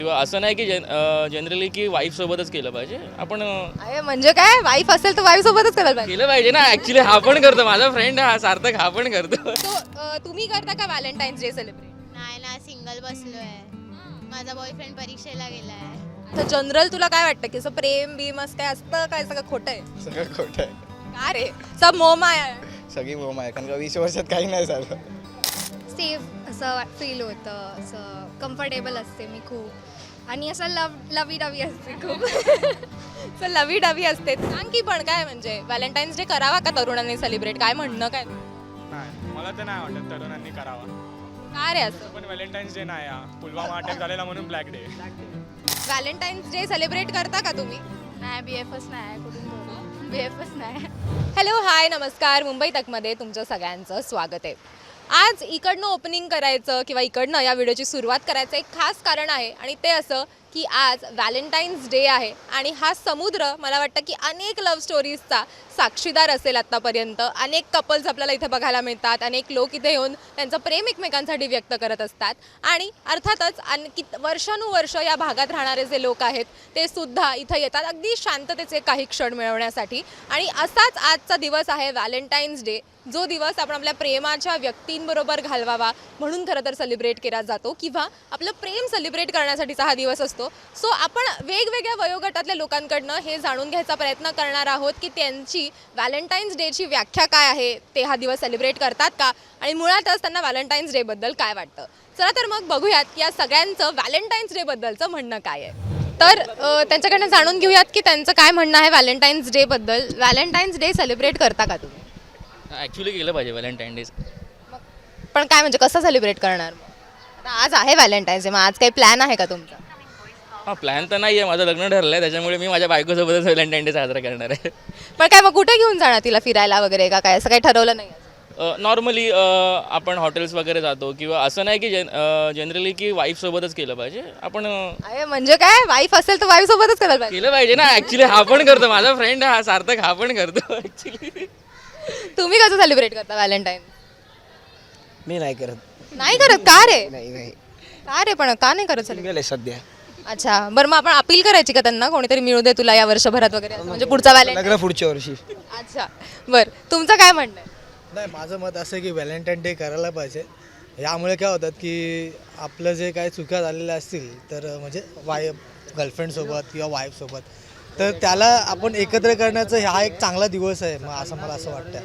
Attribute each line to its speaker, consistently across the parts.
Speaker 1: किंवा असं नाही की जनरली की वाईफ सोबतच केलं पाहिजे आपण
Speaker 2: अरे म्हणजे काय, वाईफ असेल तर वाईफ सोबतच करायला पाहिजे.
Speaker 1: केलं पाहिजे ना. ऍक्च्युली हा पण करतो, माझा फ्रेंड हा सार्थक हा पण करतो.
Speaker 2: तुम्ही करता का व्हॅलेंटाईन्स डे सेलिब्रेट?
Speaker 3: नाही ना, सिंगल बसलोय. माझा बॉयफ्रेंड परीक्षेला गेलाय.
Speaker 2: तर जनरल तुला काय वाटतं की असं प्रेम बीम असं काय असतं, काय सगळं खोटं आहे?
Speaker 4: सगळं खोटं आहे.
Speaker 2: का रे, सब मोहमाया आहे.
Speaker 4: सगळी बोम आहे कारण का 20 वर्षात काही नाही झालं.
Speaker 5: सेफ असं फील होतं, असं कम्फर्टेबल असते मी खूप, आणि असं लवी डवी असते खूप.
Speaker 2: तर लवी डवी असते. सांग की पण काय म्हणजे व्हॅलेंटाईन्स डे करावा का तरुणांनी सेलिब्रेट? काय म्हणणं काय?
Speaker 6: नाही, मला तर नाही वाटत तरुणांनी करावा.
Speaker 2: काय रे असं?
Speaker 6: पण व्हॅलेंटाईन्स डे नाही हा. पुलवामा अटॅक झालेला म्हणून black day.
Speaker 2: Valentine's day celebrate करता का तुम्ही?
Speaker 3: नाही, BFच नाही, कुठून करू? BFच नाही.
Speaker 2: हॅलो, हाय, नमस्कार. मुंबई तकमध्ये तुमचं सगळ्यांचं स्वागत आहे. आज इकडनं ओपनिंग करायचं किंवा इकडनं या व्हिडिओची सुरुवात करायचं एक खास कारण आहे, आणि ते असं की आज व्हॅलेंटाईन्स डे आहे आणि हा समुद्र मला वाटतं की अनेक लव्ह स्टोरीजचा साक्षीदार असेल आत्तापर्यंत. अनेक कपल्स आपल्याला इथे बघायला मिळतात, अनेक लोक इथे येऊन त्यांचं प्रेम एकमेकांसाठी व्यक्त करत असतात, आणि अर्थातच आणखी वर्षानुवर्ष या भागात राहणारे जे लोक आहेत ते सुद्धा इथं येतात अगदी शांततेचे काही क्षण मिळवण्यासाठी. आणि असाच आजचा दिवस आहे व्हॅलेंटाईन्स डे, जो दिवस आपण आपल्या प्रेमाच्या व्यक्तींबरोबर घालवावा म्हणून खरं तर सेलिब्रेट केला जातो, किंवा आपलं प्रेम सेलिब्रेट करण्यासाठीचा हा दिवस असतो. सो आपण वेगवेगळ्या वयोगटातल्या लोकांकडनं हे जाणून घ्यायचा प्रयत्न करणार आहोत की त्यांची व्हॅलेंटाईन्स डेची व्याख्या काय आहे, ते हा दिवस सेलिब्रेट करतात का, आणि मुळातच त्यांना व्हॅलेंटाईन्स डेबद्दल काय वाटतं. चला तर मग बघूयात की या सगळ्यांचं व्हॅलेंटाईन्स डेबद्दलचं म्हणणं काय आहे. तर त्यांच्याकडनं जाणून घेऊयात की त्यांचं काय म्हणणं आहे व्हॅलेंटाईन्स डेबद्दल. व्हॅलेंटाईन्स डे सेलिब्रेट करता का तुम्ही?
Speaker 1: ऍक्च्युली केलं पाहिजे व्हॅलेंटाईन डे.
Speaker 2: पण काय म्हणजे कसं सेलिब्रेट करणार? आता आज आहे व्हॅलेंटाईन्स डे, मग आज काही प्लॅन आहे का तुमचा?
Speaker 1: हा, प्लॅन तर नाही आहे, माझं लग्न ठरलं आहे, त्याच्यामुळे मी माझ्या बायकोसोबतच व्हॅलेंटाईन डे साजरा करणार आहे.
Speaker 2: पण काय मग कुठे घेऊन जाणार तिला फिरायला वगैरे का काय, असं काही ठरवलं नाही?
Speaker 1: नॉर्मली आपण हॉटेल्स वगैरे जातो, किंवा असं नाही की जनरली की वाईफ सोबतच केलं पाहिजे आपण
Speaker 2: अरे म्हणजे काय, वाईफ असेल तर वाईफ सोबतच करायला पाहिजे.
Speaker 1: केलं पाहिजे ना. ऍक्च्युली हा पण करतो, माझा फ्रेंड हा सार्थक हा पण करतो ऍक्च्युली.
Speaker 2: तुम्ही कसं सेलिब्रेट करता व्हॅलेंटाईन?
Speaker 4: मी नाही करत.
Speaker 2: नाही करत का रे?
Speaker 4: नाही
Speaker 2: का रे, पण का नाही करत सेलिब्रेट?
Speaker 4: गेले सध्या.
Speaker 2: अच्छा, बरं, मग आपण अपील करायची का त्यांना, कोणीतरी मिळू दे तुला या वर्षभरात वगैरे असं, म्हणजे पुढचा व्हॅलेंटाईन?
Speaker 4: लग्न पुढच्या वर्षी.
Speaker 2: अच्छा, बरं, तुमचं काय म्हणणं आहे?
Speaker 7: नाही, माझं मत असं आहे की व्हॅलेंटाईन डे करायला पाहिजे. यामुळे काय होतात की आपलं जे काही चुका झालेल्या असतील तर म्हणजे गर्लफ्रेंडसोबत किंवा वाईफसोबत, तर त्याला आपण एकत्र करण्याचा हा एक चांगला दिवस आहे, मग असं मला असं वाटतं.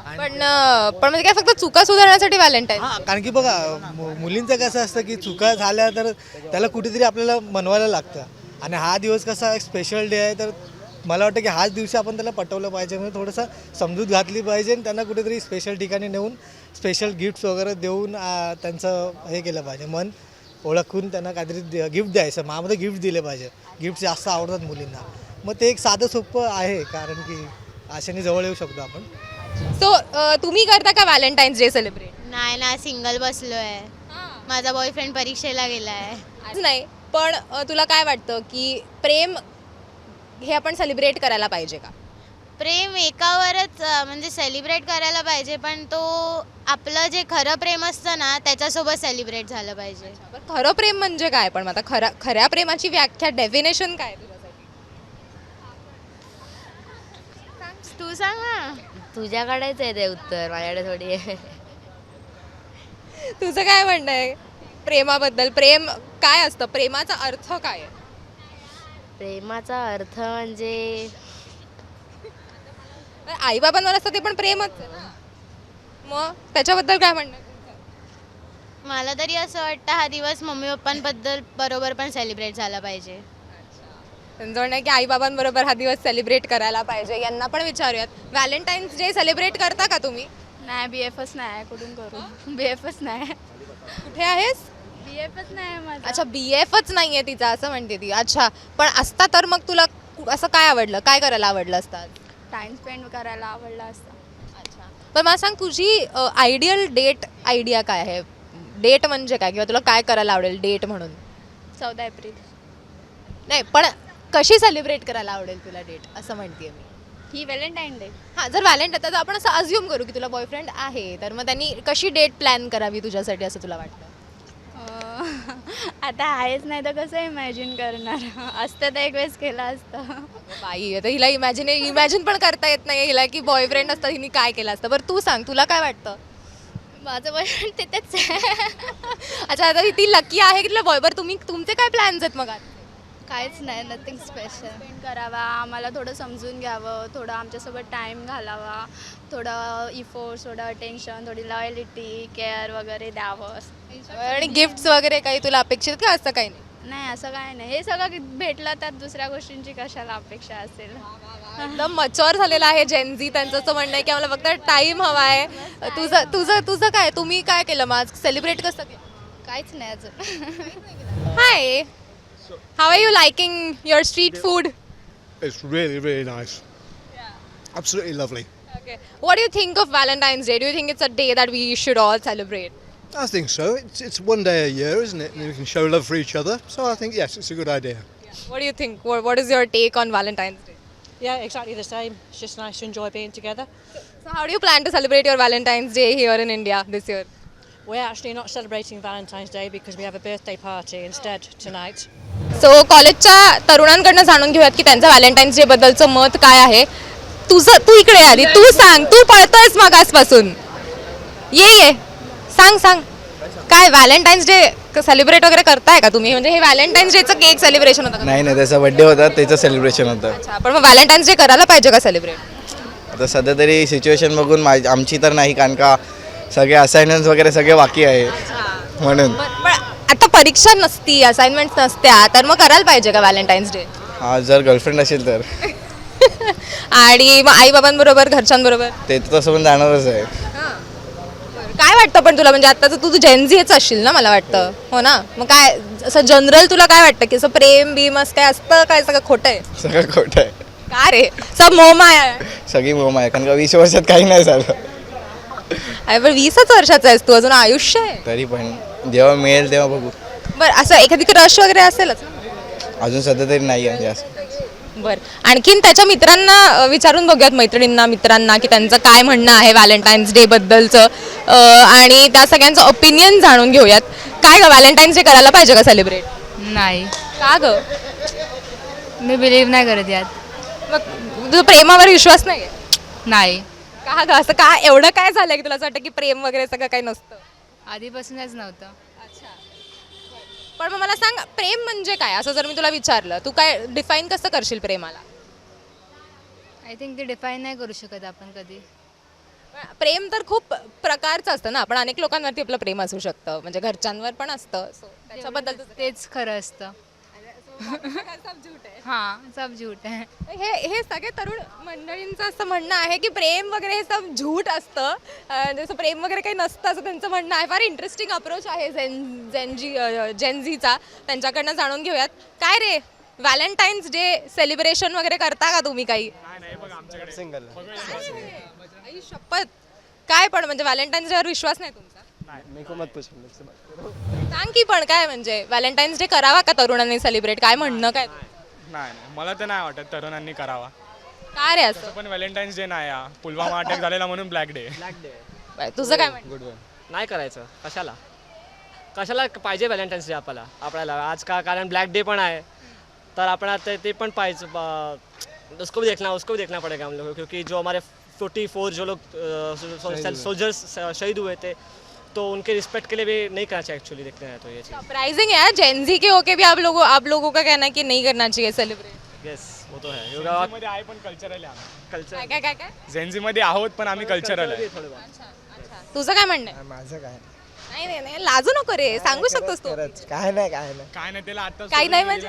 Speaker 2: पण म्हणजे काय फक्त चुका सुधारण्यासाठी व्हॅलेंटाईन?
Speaker 7: हां, कारण की बघा मुलींचं कसं असतं की चुका झाल्या तर त्याला कुठेतरी आपल्याला मनवायला लागतं, आणि हा दिवस कसा एक स्पेशल डे आहे, तर मला वाटतं की हाच दिवशी आपण त्याला पटवलं पाहिजे, म्हणजे थोडंसं समजूत घातली पाहिजे, आणि त्यांना कुठेतरी स्पेशल ठिकाणी नेऊन स्पेशल गिफ्ट्स वगैरे देऊन त्यांचं हे केलं पाहिजे, मन ओळखून त्यांना काहीतरी गिफ्ट द्यायचं. माझ्यामध्ये गिफ्ट दिले पाहिजे, गिफ्ट जास्त आवडतात मुलींना, मग ते एक साधं सोपं आहे, कारण की अशाने जवळ येऊ शकतो आपण.
Speaker 2: सो तुम्ही करता का व्हॅलेंटाईन्स डे सेलिब्रेट?
Speaker 3: नाही ना, सिंगल बसलोय. माझा बॉयफ्रेंड परीक्षेला गेलाय.
Speaker 2: आज नाही, पण तुला काय वाटतं की प्रेम हे आपण सेलिब्रेट करायला पाहिजे का?
Speaker 3: प्रेम एकावरच म्हणजे सेलिब्रेट करायला पाहिजे, पण तो आपलं जे खरं प्रेम असतं ना त्याच्यासोबत सेलिब्रेट झालं पाहिजे.
Speaker 2: पण खरं प्रेम म्हणजे काय? पण आता खऱ्या प्रेमाची व्याख्या, डेफिनेशन काय तुझ्यासाठी?
Speaker 3: तू सांग ना.
Speaker 8: तुझ्याकडेच आहे ते उत्तर, माझ्याकडे थोडी आहे.
Speaker 2: तुझं काय म्हणणं आहे प्रेमाबद्दल? प्रेम काय असतं? प्रेमाचा अर्थ काय आहे?
Speaker 8: प्रेमाचा अर्थ म्हणजे
Speaker 2: आई बाबांवर असतं ते पण प्रेमच आहे ना. मग त्याच्याबद्दल काय म्हणणं आहे तुमचं?
Speaker 3: मला तरी असं वाटतं हा दिवस मम्मी पप्पांबद्दल बरोबर पण सेलिब्रेट झाला पाहिजे.
Speaker 2: त्यांचं म्हणणं आहे की आई बाबांबरोबर हा दिवस सेलिब्रेट करायला पाहिजे. यांना पण विचारूयात, व्हॅलेंटाईन्स डे सेलिब्रेट करता का तुम्ही?
Speaker 3: नाही, BFच नाही, कुठून करू? BFच नाही.
Speaker 2: कुठे आहेस?
Speaker 3: BFच नाही माझा.
Speaker 2: अच्छा, BFच नाहीये तिचा, असं म्हणते ती. अच्छा, पण असता तर मग तुला असं काय आवडलं, काय करायला आवडलं असतं?
Speaker 3: टाइम स्पेंड करायला आवडला असता.
Speaker 2: अच्छा, पण मला सांग, तुझी आयडियल डेट आयडिया काय आहे? डेट म्हणजे काय, किंवा तुला काय करायला आवडेल डेट म्हणून?
Speaker 3: 14 एप्रिल.
Speaker 2: नाही, पण कशी सेलिब्रेट करायला आवडेल तुला डेट, असं म्हणते मी.
Speaker 3: ही व्हॅलेंटाईन डे.
Speaker 2: हां, जर व्हॅलेंटाईन तर आपण असं अज्युम करू की तुला बॉयफ्रेंड आहे, तर मग त्यांनी कशी डेट प्लॅन करावी तुझ्यासाठी असं तुला वाटतं?
Speaker 5: आता आहेच नाही तर कसं इमॅजिन करणार असतं तर एक वेळेस केलं असतं.
Speaker 2: बाई आता हिला इमॅजिन पण करता येत नाही हिला की बॉयफ्रेंड असतं हिने काय केलं असतं. बरं तू सांग तुला काय वाटतं?
Speaker 5: माझं बॉयफ्रेंड तिथेच आहे.
Speaker 2: अच्छा आता ती लकी आहे की तिला बॉयबर तुमचे काय प्लॅन्स आहेत मग आता?
Speaker 5: काहीच नाही, नथिंग स्पेशल. स्पेंड करावा, आम्हाला थोडं समजून घ्यावं, थोडं आमच्यासोबत टाईम घालावा, थोडं इफोर्ट्स, थोडं अटेन्शन, थोडी लॉयलिटी, केअर वगैरे द्यावं.
Speaker 2: आणि गिफ्ट्स वगैरे काही तुला अपेक्षित का असं काही नाही?
Speaker 5: नाही असं काय नाही, हे सगळं भेटलं तर दुसऱ्या गोष्टींची कशाला अपेक्षा असेल.
Speaker 2: एकदम मच्युअर झालेला आहे जेनझी. त्यांचं असं म्हणणं आहे की आम्हाला फक्त टाइम हवा आहे. तुझं तुझं तुझं काय तुम्ही काय केलं मग आज सेलिब्रेट कसं केलं?
Speaker 5: काहीच नाही अजून.
Speaker 2: Hi how are you liking your street food?
Speaker 9: It's really, really nice. Absolutely lovely.
Speaker 2: Okay. What do you think of Valentine's Day? Do you think it's a day that we should all celebrate?
Speaker 9: I think so. It's one day a year, isn't it? And we can show love for each other. So I think, yes, it's a good idea.
Speaker 2: What do you think? What is your take on Valentine's Day?
Speaker 10: Yeah, exactly the same. It's just nice to enjoy being together.
Speaker 2: So how do you plan to celebrate your Valentine's Day here in India this year?
Speaker 10: We're actually not celebrating Valentine's Day because we have a birthday party instead tonight.
Speaker 2: So कॉलेजच्या तरुणांकडनं जाणून घेऊयात की त्यांचं Valentine's day बद्दलचं मत काय आहे. तू इकडे आधी तू सांग, तू पळतोयस मग आजपासून. ये सांग काय व्हॅलेंटाईन्स डे सेलिब्रेट वगैरे करताय का तुम्ही? म्हणजे हे व्हॅलेंटाईन्स डेचं केक सेलिब्रेशन होतं का?
Speaker 4: नाही नाही, त्याचा बड्डे होता, त्याचं सेलिब्रेशन होतं.
Speaker 2: अच्छा, पण मग व्हॅलेंटाईन्स डे करायला पाहिजे का सेलिब्रेट?
Speaker 4: आता सध्या तरी सिच्युएशन बघून आमची तर नाही, कारण का सगळे असाइनमेंट्स वगैरे सगळे बाकी आहे म्हणून.
Speaker 2: पण आता परीक्षा नसती, असाइनमेंट्स नसत्या, तर मग करायला पाहिजे का व्हॅलेंटाईन्स डे?
Speaker 4: हा, जर गर्लफ्रेंड असेल तर.
Speaker 2: आणि मग आई बाबांबरोबर घरच्यांबरोबर
Speaker 4: ते तर तसं पण जाणारच आहे.
Speaker 2: काय वाटतं पण तुला? म्हणजे आता तू जेनझीच असशील ना मला वाटतं, हो ना? मग काय असं जनरल तुला काय वाटतं की असं प्रेम बीम असं काय असतं काय? सगळं खोटं आहे?
Speaker 4: सगळं खोटं आहे.
Speaker 2: का रे? सब मोहमाया आहे.
Speaker 4: सगळी मोम आहे, कारण का 20 वर्षात काही नाही झालं.
Speaker 2: अरे पण 20च वर्षाचा आहेस तू, अजून आयुष्य आहे.
Speaker 4: तरी पण जेव्हा मिळेल तेव्हा बघू.
Speaker 2: बरं असं एखादी क्रश वगैरे असेलच ना?
Speaker 4: अजून सध्या तरी नाही आहे जास्त.
Speaker 2: बरं आणखीन त्याच्या मित्रांना विचारून बघूयात, मैत्रिणींना मित्रांना, की त्यांचं काय म्हणणं आहे व्हॅलेंटाईन्स डे बद्दलचं, आणि त्या सगळ्यांचं ओपिनियन जाणून घेऊयात. काय ग व्हॅलेंटाईन्स डे करायला पाहिजे का सेलिब्रेट?
Speaker 8: नाही,
Speaker 2: का ग?
Speaker 8: मी बिलीव्ह नाही करत यात.
Speaker 2: मग तुझा प्रेमावर विश्वास नाही?
Speaker 8: नाही,
Speaker 2: का ग? असं काय एवढं काय झालंय की तुला असं वाटतं की प्रेम वगैरे सगळं काही नसतं?
Speaker 8: आधीपासूनच नव्हतं.
Speaker 2: अच्छा, पण मग मला सांग प्रेम म्हणजे काय असं जर मी तुला विचारलं, तू काय डिफाईन कसं करशील प्रेमाला?
Speaker 8: आय थिंक ते डिफाईन नाही करू शकत आपण कधी.
Speaker 2: प्रेम तर खूप प्रकारचं असतं ना, पण अनेक लोकांवरती आपलं प्रेम असू शकतं, म्हणजे घरच्यांवर पण असतं. So, त्याच्याबद्दल
Speaker 8: तेच खरं असतं. हां, सब झूट आहे.
Speaker 2: हे सगळे तरुण मंडळींचं असं म्हणणं आहे की प्रेम वगैरे हे सब झूट असतं, जसं प्रेम वगैरे काही नसतं असं त्यांचं म्हणणं आहे. फार इंटरेस्टिंग अप्रोच आहे जेनझीचा. त्यांच्याकडनं जाणून घेऊयात. काय रे व्हॅलेंटाईन्स डे सेलिब्रेशन वगैरे करता का तुम्ही काही? आई शपथ, काय पण म्हणजे व्हॅलेंटाईन्स डेवर विश्वास नाही तुमचा? सांग की पण काय म्हणजे व्हॅलेंटाईन्स डे करावा का तरुणांनी सेलिब्रेट? काय म्हणणं काय?
Speaker 6: नाही मला तर नाही वाटत तरुणांनी करावा.
Speaker 2: काय रे असं?
Speaker 6: पण व्हॅलेंटाईन्स डे नाही, पुलवामा अटॅक झालेला म्हणून ब्लॅक डे.
Speaker 2: तुझं काय म्हणणं?
Speaker 11: नाही करायचं. कशाला पाहिजे व्हॅलेंटाईन्स डे आपल्याला आज का? कारण ब्लॅक डे पण आहे, तर आपण आता ते पण पाहिजे. उसको भी देखना पड़ेगा हम लोग, क्योंकि जो हमारे 44 जो लोग सोल्जर्स शहीद हुए थे, तो उनके रिस्पेक्ट के लिए भी नहीं करना चाहिए एक्चुअली. देखते हैं तो ये चीज़
Speaker 2: सरप्राइजिंग है जेनजी के होके भी आप लोगों का कहना है कि नहीं करना चाहिए सेलिब्रेट.
Speaker 11: येस वो तो है.
Speaker 6: मध्ये आहे पण कल्चरल आहे.
Speaker 11: कल्चर
Speaker 2: काय
Speaker 6: जेनझी मध्ये आहोत पण आम्ही कल्चरल आहे.
Speaker 2: तुझं काय म्हणणं आहे?
Speaker 4: माझं काय
Speaker 2: नाही लाजू नको रे, सांगू शकतोस तू.
Speaker 4: काय नाही
Speaker 6: काय नाही त्याला आता
Speaker 2: काही नाही म्हणजे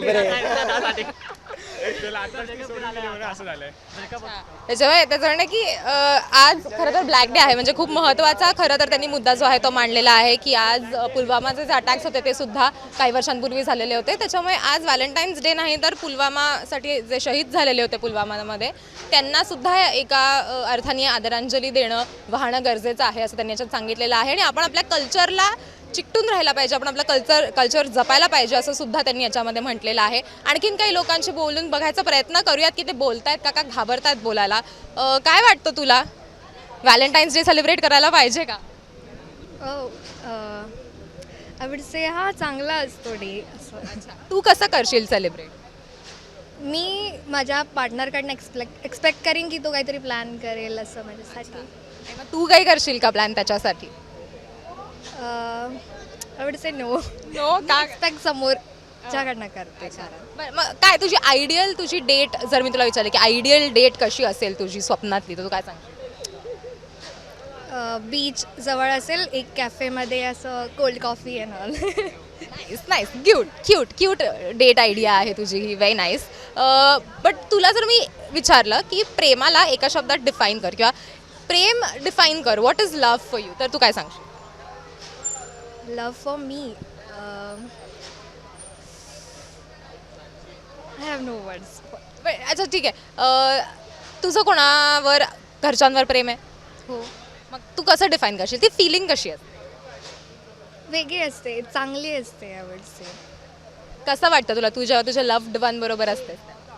Speaker 6: असं झालंय.
Speaker 2: त्याच्यामुळे त्याचं म्हणणं की आज खरं तर ब्लॅक डे आहे, म्हणजे खूप महत्त्वाचा खरं तर त्यांनी मुद्दा जो आहे तो मांडलेला आहे की आज पुलवामाचे जे अटॅक्स होते ते सुद्धा काही वर्षांपूर्वी झालेले होते. त्याच्यामुळे आज व्हॅलेंटाईन्स डे नाही तर पुलवामासाठी जे शहीद झालेले होते पुलवामामध्ये त्यांना सुद्धा एका अर्थाने आदरांजली देणं वाहणं गरजेचं आहे असं त्यांनी याच्यात सांगितलेलं आहे. आणि आपण आपल्या कल्चरला चिकटून राहायला पाहिजे, आपण आपलं कल्चर जपायला पाहिजे असं सुद्धा त्यांनी याच्यामध्ये म्हटलेलं आहे. आणखीन काही लोकांशी बोलून बघायचा प्रयत्न करूयात की ते बोलतायत का घाबरतायत बोलायला. काय वाटतं तुला व्हॅलेंटाईन्स डे सेलिब्रेट करायला पाहिजे का?
Speaker 8: आय वुड से हा चांगला असतो डे असं.
Speaker 2: तू कसं करशील सेलिब्रेट?
Speaker 8: मी माझ्या पार्टनरकडनं एक्सपेक्ट करीन की तो काहीतरी प्लॅन करेल असं माझ्यासाठी.
Speaker 2: मग तू काही करशील का प्लॅन त्याच्यासाठी?
Speaker 8: I would say no.
Speaker 2: No का?
Speaker 8: एक्सपेक्ट समोरच्याकडनं करते कारण
Speaker 2: मग काय तुझी आयडियल तुझी डेट जर मी तुला विचारलं की आयडियल डेट कशी असेल तुझी स्वप्नातली, तर तू काय सांगशील?
Speaker 8: बीच जवळ असेल, एक कॅफेमध्ये असं cold coffee and all.
Speaker 2: Nice nice, cute date idea आहे तुझी ही, व्हेरी नाईस. बट तुला जर मी विचारलं की प्रेमाला एका शब्दात डिफाईन कर किंवा प्रेम डिफाईन कर, what is love for you, तर तू काय सांगशील?
Speaker 8: लव्ह फॉर मी आय हॅव नो वर्ड्स.
Speaker 2: अच्छा ठीक आहे. तुझं कोणावर घरच्यांवर प्रेम आहे?
Speaker 8: हो,
Speaker 2: मग तू कसं डिफाईन करशील? ती फिलिंग कशी असते?
Speaker 8: वेगळी असते, चांगली असते आय वुड से.
Speaker 2: कसं वाटतं तुला तू जेव्हा तुझ्या लव्ड वन बरोबर असते?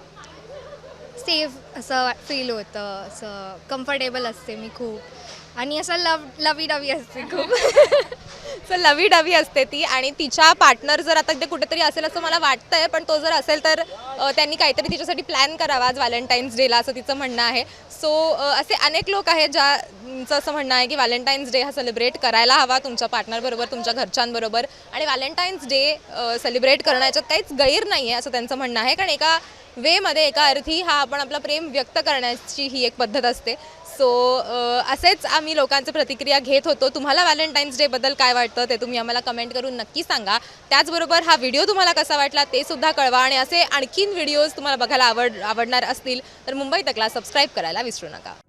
Speaker 8: सेफ असं फील होतं, असं कम्फर्टेबल असते मी खूप, आणि असं लवी डवी असते खूप.
Speaker 2: सो लवी डवी असते ती, आणि तिच्या पार्टनर जर आता ते कुठेतरी असेल असं मला वाटतंय, पण तो जर असेल तर त्यांनी काहीतरी तिच्यासाठी प्लॅन करावा आज व्हॅलेंटाईन्स डेला, असं तिचं म्हणणं आहे. सो असे अनेक लोक आहेत ज्यांचं असं म्हणणं आहे की व्हॅलेंटाईन्स डे हा सेलिब्रेट करायला हवा तुमच्या पार्टनरबरोबर, तुमच्या घरच्यांबरोबर, आणि व्हॅलेंटाईन्स डे सेलिब्रेट करण्याच्यात काहीच गैर नाही आहे असं त्यांचं म्हणणं आहे. कारण एका वेमध्ये, एका अर्थी हा आपण आपला प्रेम व्यक्त करण्याची ही एक पद्धत असते. सो असेच आम्ही लोकांचे प्रतिक्रिया घेत होतो. तुम्हाला व्हॅलेंटाईन्स डेबद्दल काय वाटतं ते तुम्ही आम्हाला कमेंट करून नक्की सांगा. त्याचबरोबर हा व्हिडिओ तुम्हाला कसा वाटला ते सुद्धा कळवा, आणि असे आणखीन व्हिडिओज तुम्हाला बघायला आवडणार असतील तर मुंबई तकला सबस्क्राईब करायला विसरू नका.